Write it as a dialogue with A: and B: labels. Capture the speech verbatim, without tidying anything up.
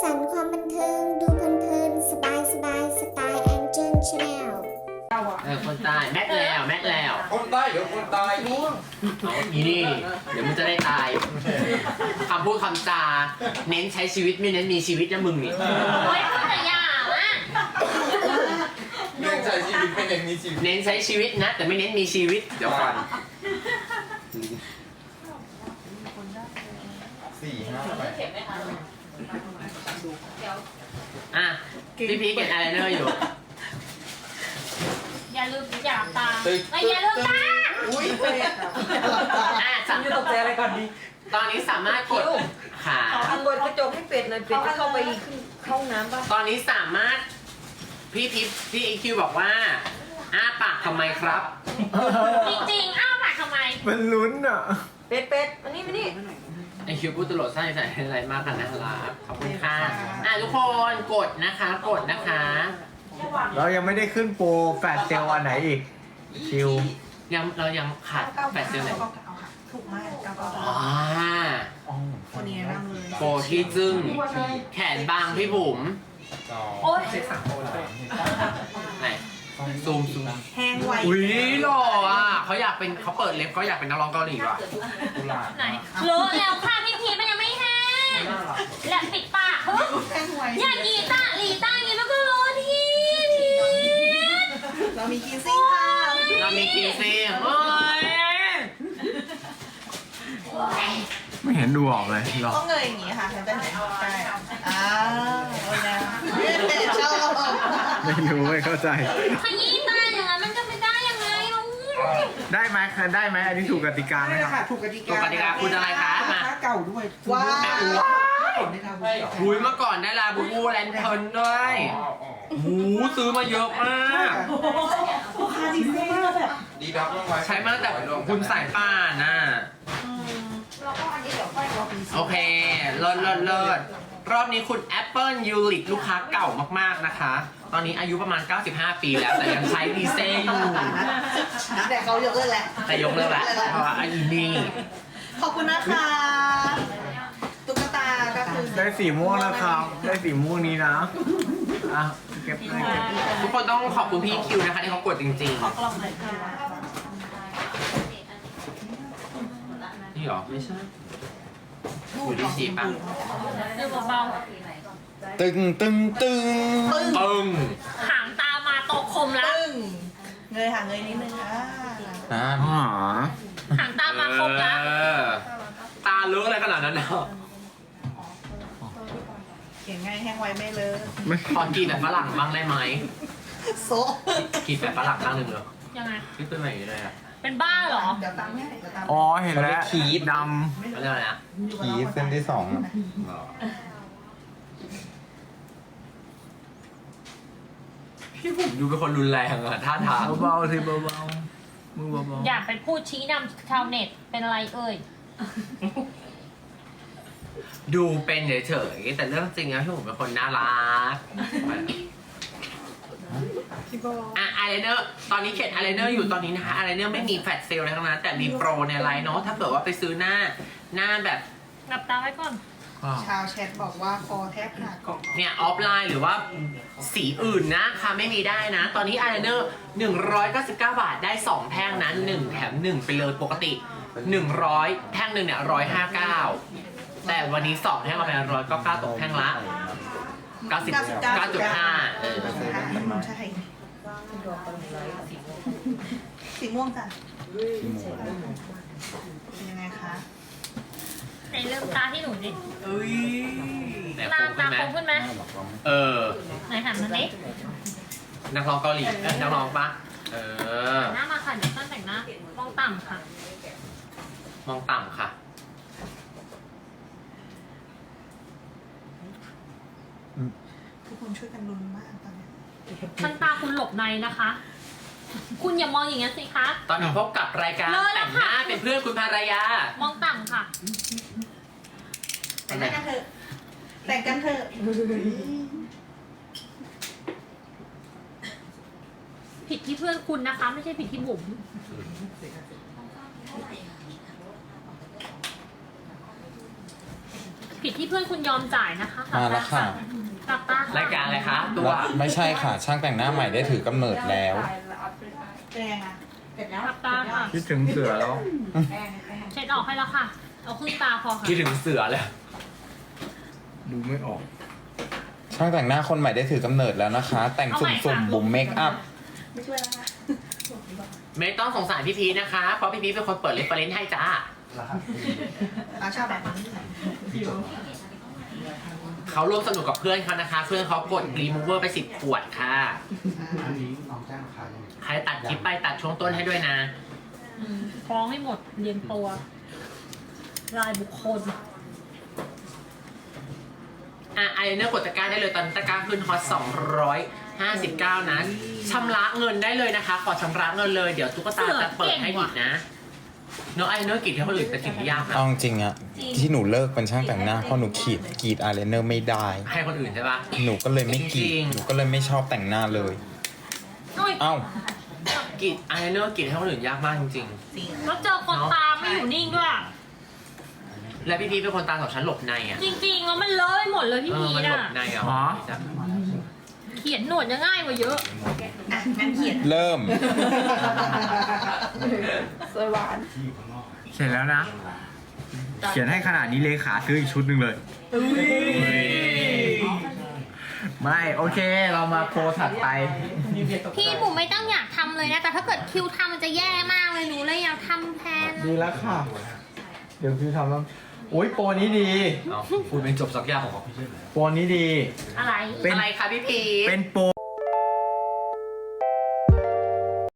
A: สรรค์ความบันเทิงดูเพลินๆสบายสบายสไตล์แองเจิลชาแนล
B: เออคนใต้แม็กแล้วแม็กแล้ว
C: คนใต้เดี๋ยวคนตายง่วง
B: เอาอีนี่ เดี๋ยวมึงจะได้ตายคำพูดคำจาเน้นใช้ชีวิตไม่เน้นมีชีวิตนะมึงนี่
D: โอ้ยพูดแต่ยาวอ่ะ
C: เรื่องใช้ชีวิตไม่เน้นมีชีวิต
B: เน้นใช้ชีวิตนะ แต่ไม่เน้นมีชีวิตเดี๋ยวก่อน
C: สี่ห้าแปด
B: อ่ะพี่พีเก็ตอะไรเนอร์อยู่
D: อย่าลืมอย่าตาไม่อย่าลืมตา
C: อุ้ยเป็ด
B: อ่ะสัม
E: จะตกใจอะไรก่อนดี
B: ตอนนี้สามารถกดขา
E: ขออันบนกระจกให้เป็ดหน่อยเป็ดจะเข้าไปขึ้นเข้าห้องน้ำป่ะ
B: ตอนนี้สามารถพี่ทิพย์พี่อีคิวบอกว่าอ้าปากทำไมครับ
D: จริงๆอ้าวปากทำไม
F: มันลุ้นอ่ะ
E: เป็ดเป็ดมานี่มานี่
B: ไอคิวพูดตลอดใส่ใส่อะไรมากกันนะครับขอบคุณค่ะอ่ะทุกคนกดนะคะกดนะคะ
F: เรายังไม่ได้ขึ้นโปรแฟดเซลวันไหนอีก คิว
B: ยังเรายังขาดแปดเซลล์ไหน
E: ถูกมากเก้าเก้า
B: อ๋อ
E: คนนี้นั่งเลย
B: โปรที่จึ้งแขนบางพี่บุ๋ม
C: สอง
D: โอ๊ย
B: ไหนซูมซูม
E: แห้งไว
B: อุ้ยหล่ออ่ะเขาอยากเป็นเขาเปิดเล็บเขาอยากเป็นนักร้องเกาหลีว่ะ
C: กุหลาบ
D: ไหนรู้แล้วค่ะพี่พีมันยังไม่แห้งและปิดปากเฮ้ย
E: แห้งไว
D: อย่ากีตาร์ลีตาร์อย่างนี้มันก็รู้ที่พี
E: เรามีกินซิ่งค่ะ
B: เรามีกีซี่โอ้ย
F: ไม่เห็นดูออกเลยหรอ
E: ต้องเงยอย่างงี้ค่ะจะเห็นใช่อ่าโอ้ยนะชอบ
F: ไม่รู้ไม่เข้าใจ
D: ขยี้ตาอย่างนั้นมันจะไม่ได้ยังไงลูก
F: ได้ไหมได้ไหมอันนี้ถูกกติกาไหม
E: ใช่
F: ครับ
E: ค่ะถูกกติ
B: ตัว
E: กาก
B: ติกาคุณอะไรคะมา
E: เก่าด้วยว้าว
B: หุยเมื่อก่อนได้ลาบูบูแลนเทิร์นด้วยหูซื้อมาเยอะมาก
E: ลูกค้าดีมากแบบ
C: ดีดับลงไว้
B: ใช้มาตั้งแต่คุณสายป่านน่ะ
E: แล้วก็อันนี้เดี๋ยวค่อยเอาไป
B: โอเคเลิศเลิศเลิศรอบนี้คุณ Apple u l i c ลูกค้าเก่ามากๆนะคะ ตอนนี้อายุประมาณ เก้าสิบห้า ปีแล้วแต่ยังใช้ดีเซลอยู่
E: แต่เขายกเลิกแล้ว
B: แต่ยกเลิกแล้วเพราะว่าอันนี้
E: ขอบคุณนะคะตุ๊กตาก็คือ
F: ได้สีม่วงนะครับ ได้สีม่วงนี้นะ อ่ะเก็บเลยเก็บเลย
B: ทุกคนต้องขอบคุณพี่คิวนะคะที่เขากดจริง
E: ขอกล่องเลยค่ะ
B: ๆ นี่หรอ ไม่ใช่อยู่ที่สีป่ะ
D: ดูเบา
C: ตึงตึงตึง
E: ปึ้ง
B: ปึ้ง
D: ๆหางตามาตกคมแล้ว
E: ปึ้งเงยหางเงยนิดนึงอ่า
C: อ่า
F: อ๋อ
D: หางตามาคมแล้ว
B: เออตาเลอะอะไรขนาดนั้นเนาะ
E: เขียนง่ายแห้งไวไม่เลย
F: ไม่
B: ขอกินแบบฝรั่งบ้างได้ไหม
E: โซ
B: กินแบบฝรั่งบ้างหนึ่งเหรอ
D: ยังไง
B: ที่เป็นแบบนี้เลยอ่ะ
D: เป็นบ้าเหรอ
E: เดี๋ยวตามให้เดี๋ยวตาม
F: อ๋อเห็นแล้วด
B: เขาเรียกอะไรนะ
C: ขีดเส้นที่สอง
B: พี่ผมดูเป็นคนรุนแรงอะท่าทาง
F: ำเบาๆสิเบาๆมือเบา
D: อย่าไปพูดชี้นำชาวเน็ตเป็นอะไรเอ่ย
B: ดูเป็นเฉยๆแต่เรื่องจริงแล้วพี่ผมเป็นคนน่ารักอ่ะอายไลเนอร์ตอนนี้เขียนอายไลเนอร์อยู่ตอนนี้นะคะอายไลเนอร์ไม่มีแฟลชเซลล์อะไรทั้งนั้นแต่มีโปรในไลน์เนาะถ้าเกิดว่าไปซื้อหน้าหน้าแบบ
D: หลับตาไว้ก่อน
F: ๆ
E: ชาวแชทบอกว่าคอแทบหัก
B: เนี่ยออฟไลน์หรือว่าสีอื่นนะคะไม่มีได้นะ ตอนนี้อายไลเนอร์หนึ่งร้อยเก้าสิบเก้าบาทได้สองแท่งนั้นหนึ่งแถมหนึ่งไปเลยปกติหนึ่งร้อยแท่งหนึ่งเนี่ยร้อยห้าเก้าแต่วันนี้สองแท่งเอาไปร้อยก็เก้าตกแท่งละเก้าสิบเก้าจุดห้าเออ
E: ใช่สีม่วงจ้ะเป็นยังไงคะ
D: ในเริ่มตาที่หนูดิ
B: เอ้ยแต่
D: ตา
B: คง
D: ตา
B: ขึ้นไหม
D: คมขึ้นไหม
B: เออ
D: ไหนหันมาดิ
B: นักร้องเกาหลีเอ้ยนักร้องปะเออ
D: หน้ามาค่ะเดี๋ยวต้นแต่งหน้า มองต่ำค่ะ
B: มองต่ำค่ะ
E: ทุกคนช่วยกันลุ้นมากตอนนี้
D: ชั้นตาคุณหลบในนะคะ คุณอย่ามองอย่างนั้นสิคะ
B: ตอนนี้พบกับรายการ
D: เลิศแล้
B: แต่
D: ว
B: ง
D: ค่ะ
B: หน้าเป็นเพื่อนคุณภรรยา
D: มองต่ำค่ะ
E: แต่งกันเถอะแต่งกันเถอะ
D: ผิดที่เพื่อนคุณนะคะ ไม่ใช่ผิดที่บุ๋มผิดที่เพื่อนคุณยอมจ่ายนะคะ
C: มาแล้วค่ะ
D: หลับตาค่ะ
B: รายการอะไรคะตัว
C: ไม่ใช่ค่ะ ช่างแต่งหน้าใหม่ได้ถือกำเนิดแล้ว
E: เป็นไงคะเสร็จแล้ว
D: หลับตาค่ะ
F: คิดถึงเสือแล้ว
D: เช็ดออกให้แล้วค่ะ เอาครึ่งตาพอค่ะ
B: คิดถึงเสือเลย
F: ดูไม่ออก
C: ช่างแต่งหน้าคนใหม่ได้ถือกำเนิดแล้วนะคะ แต่งสุ่มๆบุ๋มเมคอัพ
E: ไม่ช่วยแล้วนะ
B: ไม่ต้องสงสารพี่พีชนะคะ เพราะพี่พีชเป็นคนเปิดเรฟเฟรนซ์ให้จ้า
E: เราชอบแบบนี้
B: เขาร่วมสนุกกับเพื่อนเขานะคะ เพื่อนเขากดรีมูเวอร์ไปสิบขวดค่ะ ใครตัดคลิปไปตัดช่วงต้นให้ด้วยนะ
D: อืมฟ้องให้หมดเรียงตัวรายบุคคล
B: อ่ะไอเนอร์กดตะกร้าได้เลยตอนนี้ตะกร้าขึ้นฮอตสองร้อยห้าสิบเก้านะชำระเงินได้เลยนะคะ ขอชำระเงินเลยเดี๋ยวตุ๊กตาจะเปิดให้อีกนะเนาะไอเนอร์กรีดที่คนอื่นเป็นสิ่งที่ยากนะ
C: เอาจริงๆอะที่หนูเลิกเป็นช่างแต่งหน้าเพราะหนูขีดกรีดอายไลเนอร์ไม่ได้
B: ให้คนอื่นใช่ปะ
C: หนูก็เลยไม่กรี
B: จริ
C: ด
B: งๆ
C: หนูก็เลยไม่ชอบแต่งหน้าเลย
D: โอ้ย
C: เอ้า
B: กรีดไอเนอร์กรีดให้คนอื่นยากมากจริง
D: แล้วเจอคนตามไม่อยู่นิ่งด้วย
B: ๆ และพี่พีชเป็นคนตาสองชั้นหลบในอ่ะ
D: จริงๆ แล้วมันเลอะหมดเลยพี่
B: เออ
D: พี
B: มัน
D: น่ะ
B: หลบในอ่ะ
F: อ๋อ
D: เขียนหนวดจะง่ายกว่าเยอะ
E: อ่ะงั้นเขียน
C: เริ่ม
E: สวยหวาน
F: เสร็จแล้วนะ เขียนให้ขนาดนี้เลขาซื้ออีกชุดหนึ่งเลย ไม่ โอเค เรามาโปรถัดไป
D: พี่บุ๋มไม่ต้องอยากทำเลยนะ แต่ถ้าเกิดคิวทำมันจะแย่มากเลยหนูเลยอยากทำแทน
F: ดีแล้วค่ะ เดี๋ยวพี่ทำแล้วโอ้ยโปรนี้ดี
B: เอาพูดเป็นจบสักอย่างของ
F: โปรนี้ดี
D: อะไร
F: เป็น
B: อะไรคะพี่พีช
F: เป็นโปร